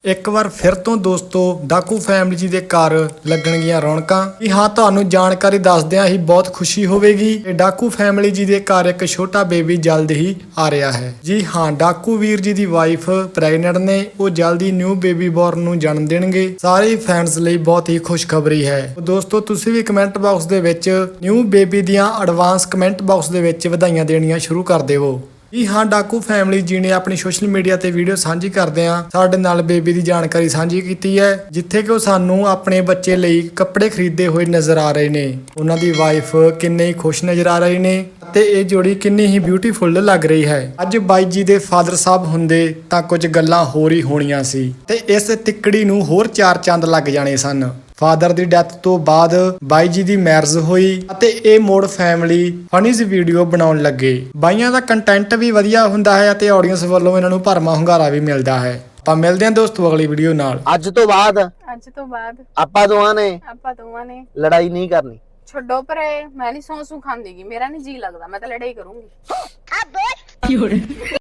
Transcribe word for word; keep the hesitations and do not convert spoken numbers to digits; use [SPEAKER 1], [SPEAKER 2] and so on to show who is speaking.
[SPEAKER 1] ਇੱਕ ਵਾਰ ਫਿਰ ਤੋਂ ਦੋਸਤੋ ਡਾਕੂ ਫੈਮਿਲੀ ਜੀ ਦੇ ਘਰ ਲੱਗਣਗੀਆਂ ਰੌਣਕਾਂ। ਜੀ ਹਾਂ, ਤੁਹਾਨੂੰ ਜਾਣਕਾਰੀ ਦੱਸਦਿਆਂ ਹੀ ਬਹੁਤ ਖੁਸ਼ੀ ਹੋਵੇਗੀ ਕਿ ਡਾਕੂ ਫੈਮਿਲੀ ਜੀ ਦੇ ਘਰ ਇੱਕ ਛੋਟਾ ਬੇਬੀ ਜਲਦ ਹੀ ਆ ਰਿਹਾ ਹੈ। ਜੀ ਹਾਂ, ਡਾਕੂ ਵੀਰ ਜੀ ਦੀ ਵਾਈਫ ਪ੍ਰੈਗਨੈਂਟ ਨੇ, ਉਹ ਜਲਦੀ ਨਿਊ ਬੇਬੀ ਬੋਰਨ ਨੂੰ ਜਨਮ ਦੇਣਗੇ। ਸਾਰੇ ਫੈਨਸ ਲਈ ਬਹੁਤ ਹੀ ਖੁਸ਼ਖਬਰੀ ਹੈ। ਦੋਸਤੋ ਤੁਸੀਂ ਵੀ ਕਮੈਂਟ ਬਾਕਸ ਦੇ ਵਿੱਚ ਨਿਊ ਬੇਬੀ ਦੀਆਂ ਐਡਵਾਂਸ ਕਮੈਂਟ ਬਾਕਸ ਦੇ ਵਿੱਚ ਵਧਾਈਆਂ ਦੇਣੀਆਂ ਸ਼ੁਰੂ ਕਰ ਦੇਵੋ। ਜੀ ਹਾਂ, ਡਾਕੂ ਫੈਮਿਲੀ ਜੀ ਨੇ ਆਪਣੀ ਸੋਸ਼ਲ ਮੀਡੀਆ ਤੇ ਵੀਡੀਓ ਸਾਂਝੀ ਕਰਦਿਆਂ ਸਾਡੇ ਨਾਲ ਬੇਬੀ ਦੀ ਜਾਣਕਾਰੀ ਸਾਂਝੀ ਕੀਤੀ ਹੈ, ਜਿੱਥੇ ਕਿ ਉਹ ਸਾਨੂੰ ਆਪਣੇ ਬੱਚੇ ਲਈ ਕੱਪੜੇ ਖਰੀਦਦੇ ਹੋਏ ਨਜ਼ਰ ਆ ਰਹੇ ਨੇ। ਉਹਨਾਂ ਦੀ ਵਾਈਫ ਕਿੰਨੇ ਹੀ ਖੁਸ਼ ਨਜ਼ਰ ਆ ਰਹੇ ਨੇ ਤੇ ਇਹ ਜੋੜੀ ਕਿੰਨੀ ਹੀ ਬਿਊਟੀਫੁਲ ਲੱਗ ਰਹੀ ਹੈ। ਅੱਜ ਬਾਈ ਜੀ ਦੇ ਫਾਦਰ ਸਾਹਿਬ ਹੁੰਦੇ ਤਾਂ ਕੁਝ ਗੱਲਾਂ ਹੋਰ ਹੀ ਹੋਣੀਆਂ ਸੀ ਤੇ ਇਸ ਤਿੱਕੜੀ ਨੂੰ ਹੋਰ ਚਾਰ ਚੰਦ ਲੱਗ ਜਾਣੇ ਸਨ। ਫਾਦਰ ਦੀ ਡੈਥ ਤੋਂ ਬਾਅਦ ਬਾਈ ਜੀ ਦੀ ਮੈਰਿਜ ਹੋਈ ਅਤੇ ਇਹ ਮੋੜ ਫੈਮਿਲੀ ਫਨੀਜ਼ ਵੀਡੀਓ ਬਣਾਉਣ ਲੱਗੇ। ਬਾਈਆਂ ਦਾ ਕੰਟੈਂਟ ਵੀ ਵਧੀਆ ਹੁੰਦਾ ਹੈ ਅਤੇ ਆਡੀਅנס ਵੱਲੋਂ ਇਹਨਾਂ ਨੂੰ ਭਰਮਾ ਹੁੰਗਾਰਾ ਵੀ ਮਿਲਦਾ ਹੈ। ਆਪਾਂ ਮਿਲਦੇ ਹਾਂ ਦੋਸਤੋ ਅਗਲੀ ਵੀਡੀਓ ਨਾਲ।
[SPEAKER 2] ਅੱਜ ਤੋਂ ਬਾਅਦ
[SPEAKER 3] ਅੱਜ ਤੋਂ ਬਾਅਦ
[SPEAKER 2] ਆਪਾਂ ਦੋਵਾਂ ਨੇ
[SPEAKER 3] ਆਪਾਂ ਦੋਵਾਂ ਨੇ
[SPEAKER 2] ਲੜਾਈ ਨਹੀਂ ਕਰਨੀ।
[SPEAKER 3] ਛੱਡੋ ਪਰੇ, ਮੈਂ ਨਹੀਂ ਸੌਂ ਸੂ ਖਾਂਦੀਗੀ, ਮੇਰਾ ਨਹੀਂ ਜੀ ਲੱਗਦਾ, ਮੈਂ ਤਾਂ ਲੜਾਈ ਕਰੂੰਗੀ।